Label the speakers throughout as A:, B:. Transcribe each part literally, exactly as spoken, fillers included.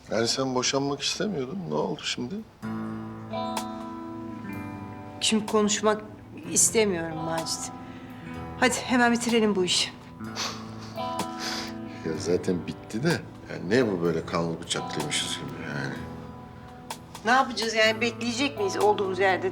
A: Yani sen boşanmak istemiyordun. Ne oldu şimdi?
B: Şimdi konuşmak istemiyorum Macit. Hadi hemen bitirelim bu işi.
A: Ya zaten bitti de. Yani ne bu böyle kanlı bıçaklıymışız gibi yani.
B: Ne yapacağız yani? Bekleyecek miyiz olduğumuz yerde?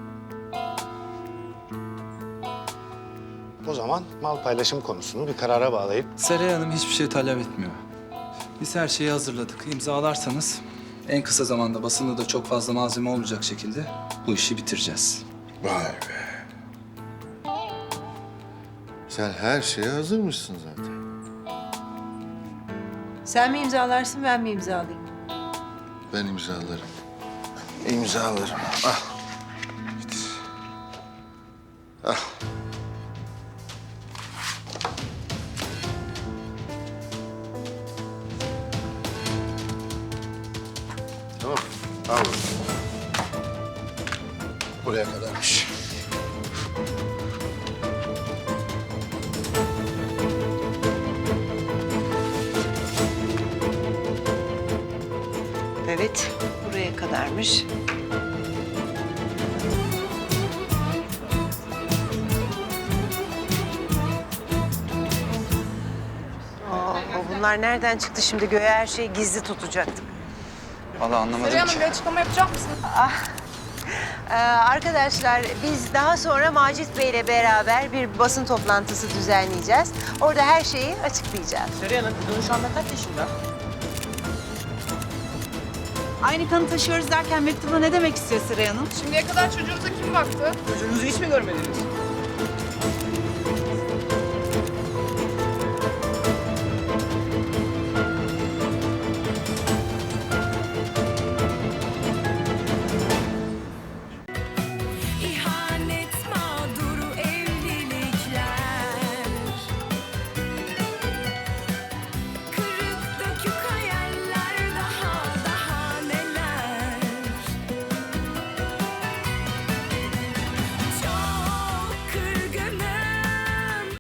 C: O zaman mal paylaşım konusunu bir karara bağlayıp...
D: Seray Hanım hiçbir şey talep etmiyor. Biz her şeyi hazırladık. İmzalarsanız en kısa zamanda basında da çok fazla malzeme olmayacak şekilde bu işi bitireceğiz.
A: Vay be. Sen her şeye hazırmışsın zaten.
B: Sen mi imzalarsın, ben mi imzalayayım?
A: Ben imzalarım. İmzalarım. Ah. Bitir. Ah. Tamam. Al. Buraya kadarmış.
B: Evet, buraya kadarmış. Aa, bunlar nereden çıktı şimdi? Göğe her şeyi gizli tutacaktık.
D: Vallahi anlamadım
E: Seray
D: ki.
E: Hanım bir açıklama yapacak mısın?
B: Ee, arkadaşlar biz daha sonra Macit Bey'le beraber bir basın toplantısı düzenleyeceğiz. Orada her şeyi açıklayacağız.
F: Seray Hanım, kızın şu anda kaç yaşında?
G: Aynı kanı taşıyoruz derken mektubda ne demek istiyor Seray Hanım?
E: Şimdiye kadar çocuğunuza kim baktı?
F: Çocuğunuzu hiç mi görmediniz?